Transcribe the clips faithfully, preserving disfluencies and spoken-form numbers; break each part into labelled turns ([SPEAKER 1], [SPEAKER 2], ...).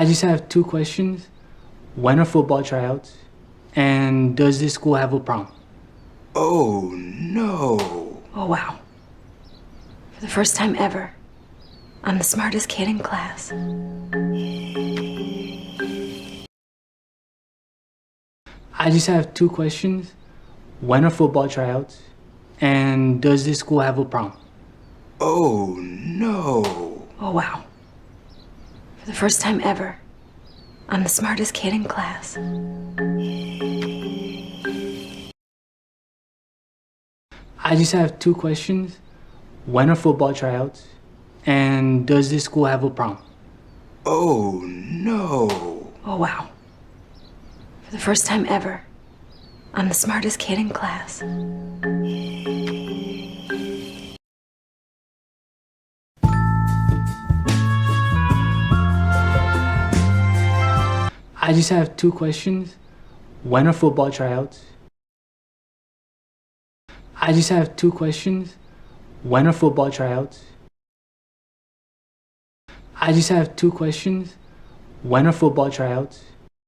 [SPEAKER 1] I just have two questions. When are football tryouts? And does this school have a prom?
[SPEAKER 2] Oh, no.
[SPEAKER 3] Oh, wow. For the first time ever, I'm the smartest kid in class.
[SPEAKER 1] I just have two questions. When are football tryouts? And does this school have a prom?
[SPEAKER 2] Oh, no.
[SPEAKER 3] Oh, wow. For the first time ever, I'm the smartest kid in class.
[SPEAKER 1] I just have two questions. When are football tryouts? And does this school have a prom?
[SPEAKER 2] Oh, no.
[SPEAKER 3] Oh, wow. For the first time ever, I'm the smartest kid in class.
[SPEAKER 1] I just have two questions. When are football tryouts? I just have two questions. When are football tryouts? I just have two questions. When are football tryouts?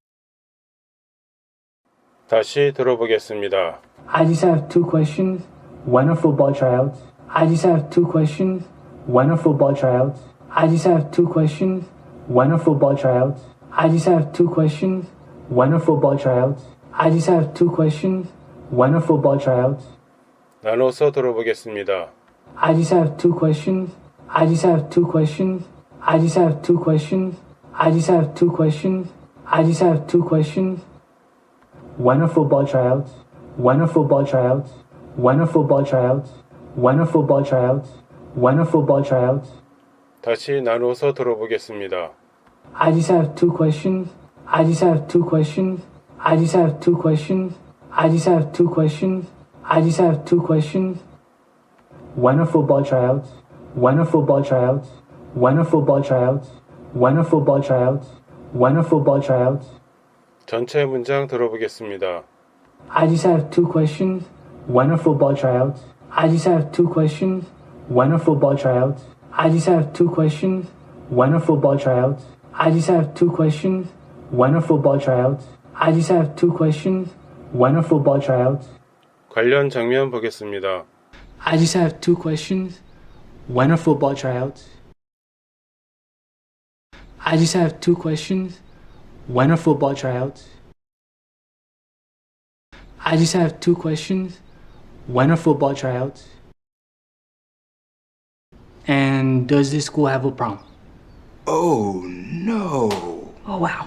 [SPEAKER 4] 다시 들어보겠습니다.
[SPEAKER 1] I just have two questions. When are football tryouts? I just have two questions. When are football tryouts? I just have two questions. When are football tryouts? I just have two questions. When are football tryouts? I just have two questions. When are football tryouts?
[SPEAKER 4] 나눠서 들어보겠습니다.
[SPEAKER 1] I just have two questions. I just have two questions. I just have two questions. I just have two questions. I just have two questions. When are football tryouts? When are football tryouts? When are football tryouts? When are football tryouts? When are football tryouts?
[SPEAKER 4] 다시 나눠서 들어보겠습니다.
[SPEAKER 1] I just have two questions. I just have two questions. I just have two questions. I just have two questions. I just have two questions. When are football tryouts? When are football tryouts? When are football tryouts? When are football tryouts? When are football tryouts?
[SPEAKER 4] 전체 문장 들어보겠습니다.
[SPEAKER 1] I just have two questions. When are football tryouts? I just have two questions. When are football tryouts? I just have two questions. When are football tryouts? I just have two questions. When are football tryouts? I just have two questions. When are football tryouts?
[SPEAKER 4] 관련 장면 보겠습니다.
[SPEAKER 1] I just have two questions. When are football tryouts? I just have two questions. When are football tryouts? I just have two questions. When are football tryouts? And does this school have a prom?
[SPEAKER 2] Oh, no.
[SPEAKER 3] Oh, wow.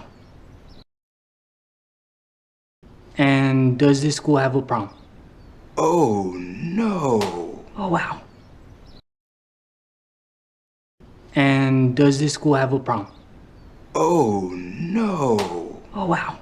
[SPEAKER 1] And does this school have a prom?
[SPEAKER 2] Oh, no.
[SPEAKER 3] Oh, wow.
[SPEAKER 1] And does this school have a prom?
[SPEAKER 2] Oh, no.
[SPEAKER 3] Oh, wow.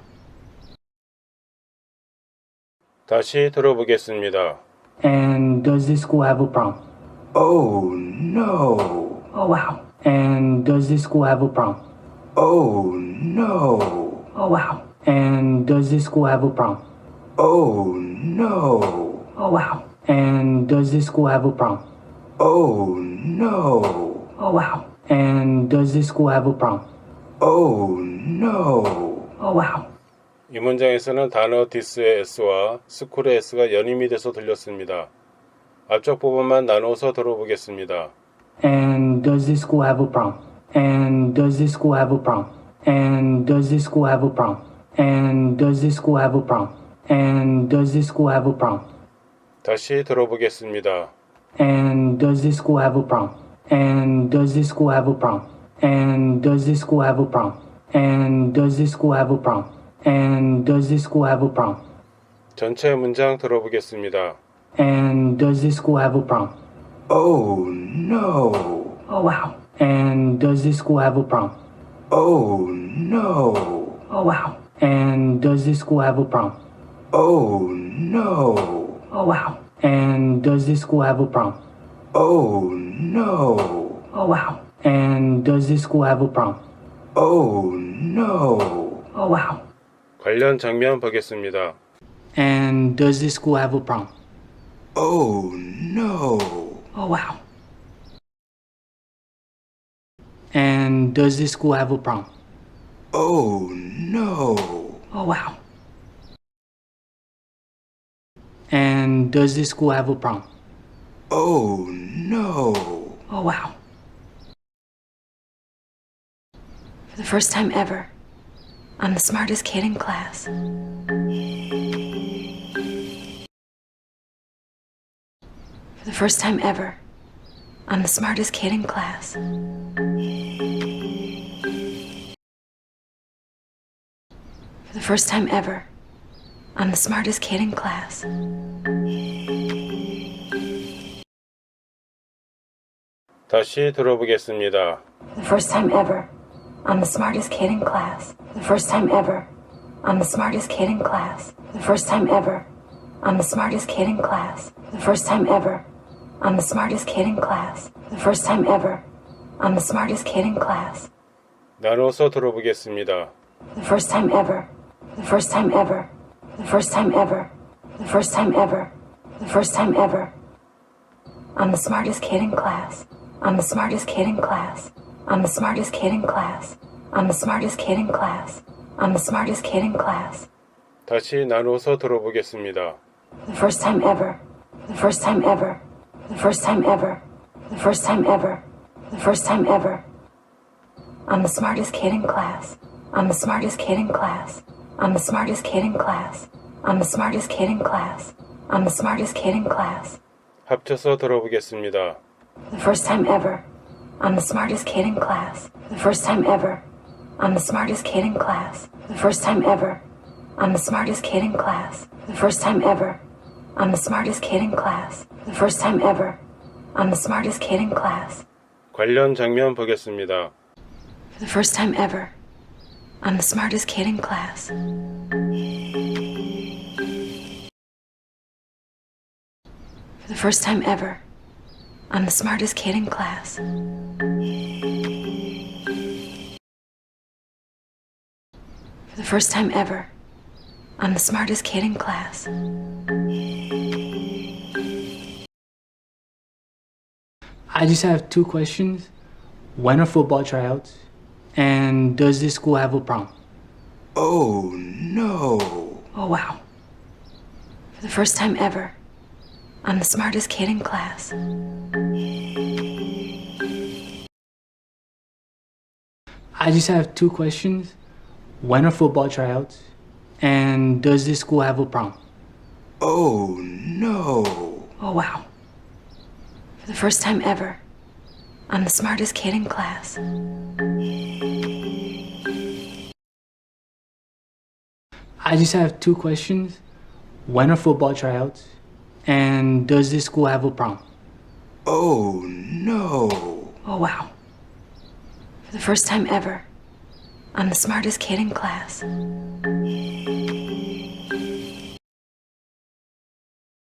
[SPEAKER 4] 다시 들어보겠습니다.
[SPEAKER 1] And does this school have a prom?
[SPEAKER 2] Oh, no.
[SPEAKER 3] Oh, wow.
[SPEAKER 1] And does this school have a prom?
[SPEAKER 2] Oh, no.
[SPEAKER 3] Oh, wow.
[SPEAKER 1] And does this school have a prom?
[SPEAKER 2] Oh, no.
[SPEAKER 3] Oh, wow.
[SPEAKER 1] And does this school have a prom?
[SPEAKER 2] Oh, no.
[SPEAKER 3] Oh, wow.
[SPEAKER 1] And does this school have a prom?
[SPEAKER 2] Oh, no.
[SPEAKER 3] Oh, wow.
[SPEAKER 4] 이 문장에서는 단어 디스의 S와 스쿨의 S가 연임이 돼서 들렸습니다. 앞쪽 부분만 나눠서 들어보겠습니다.
[SPEAKER 1] And does this school have a prom? And does this school have a prom? And does this school have a prom? And does this school have a prom? And does this school have a prom?
[SPEAKER 4] 다시 들어보겠습니다.
[SPEAKER 1] And does this school have a prom? And does this school have a prom? And does this school have a prom? And does this school have a prom? And does this school have a prom?
[SPEAKER 4] 전체 문장 들어보겠습니다.
[SPEAKER 1] And does this school have a prom?
[SPEAKER 2] Oh, no.
[SPEAKER 3] Oh, wow.
[SPEAKER 1] And does this school have a prom?
[SPEAKER 2] Oh, no.
[SPEAKER 3] Oh, wow.
[SPEAKER 1] And does this school have a prom?
[SPEAKER 2] Oh, no.
[SPEAKER 3] Oh, wow.
[SPEAKER 1] And does this school have a prom?
[SPEAKER 2] Oh, no.
[SPEAKER 3] Oh, wow.
[SPEAKER 1] And does this school have a prom?
[SPEAKER 2] Oh, no.
[SPEAKER 3] Oh, wow.
[SPEAKER 4] 관련 장면 보겠습니다.
[SPEAKER 1] And does this school have a prom?
[SPEAKER 2] Oh, no.
[SPEAKER 3] Oh, wow.
[SPEAKER 1] And does this school have a prom?
[SPEAKER 2] Oh no.
[SPEAKER 3] Oh, wow.
[SPEAKER 1] And does this school have a prom?
[SPEAKER 2] Oh no.
[SPEAKER 3] Oh, wow. For the first time ever, I'm the smartest kid in class. For the first time ever, I'm the smartest kid in class. For the first time ever, I'm the smartest kid in class.
[SPEAKER 4] 다시 들어보겠습니다.
[SPEAKER 3] For the first time ever, I'm the smartest kid in class. For the first time ever, I'm the smartest kid in class. For the first time ever, I'm the smartest kid in class. For the first time ever, I'm the smartest kid in class. For the first time ever, I'm the smartest kid in class.
[SPEAKER 4] 나눠서 들어보겠습니다.
[SPEAKER 3] For the first time ever, for the first time ever, for the first time ever, for the first time ever, for the first time ever, I'm the smartest kid in class. I'm the smartest kid in class. I'm the smartest kid in class. I'm the smartest kid in class. I'm the smartest kid in class.
[SPEAKER 4] 다시 나눠서 들어보겠습니다.
[SPEAKER 3] For the first time ever, for the first time ever, for the first time ever, for the first time ever, for the first time ever, I'm the smartest kid in class. I'm the smartest kid in class. I'm the smartest kid in class. I'm the smartest kid in class. I'm the smartest kid in class.
[SPEAKER 4] 합쳐서 들어보겠습니다.
[SPEAKER 3] For the first time ever, I'm the smartest kid in class. For the first time ever, I'm the smartest kid in class. For the first time ever, I'm the smartest kid in class. For the first time ever, I'm the smartest kid in class. For the first time ever, I'm the smartest kid in class.
[SPEAKER 4] 관련 장면 보겠습니다.
[SPEAKER 3] For the first time ever, I'm the smartest kid in class. For the first time ever, I'm the smartest kid in class. For the first time ever, I'm the smartest kid in class.
[SPEAKER 1] I just have two questions. When are football tryouts? And does this school have a prom?
[SPEAKER 2] Oh no.
[SPEAKER 3] Oh, wow. For the first time ever, I'm the smartest kid in class.
[SPEAKER 1] I just have two questions. When are football tryouts? And does this school have a prom?
[SPEAKER 2] Oh no.
[SPEAKER 3] Oh, wow. For the first time ever, I'm the smartest kid in class.
[SPEAKER 1] I just have two questions. When are football tryouts? And does this school have a prom?
[SPEAKER 2] Oh no.
[SPEAKER 3] Oh, wow. For the first time ever, I'm the smartest kid in class.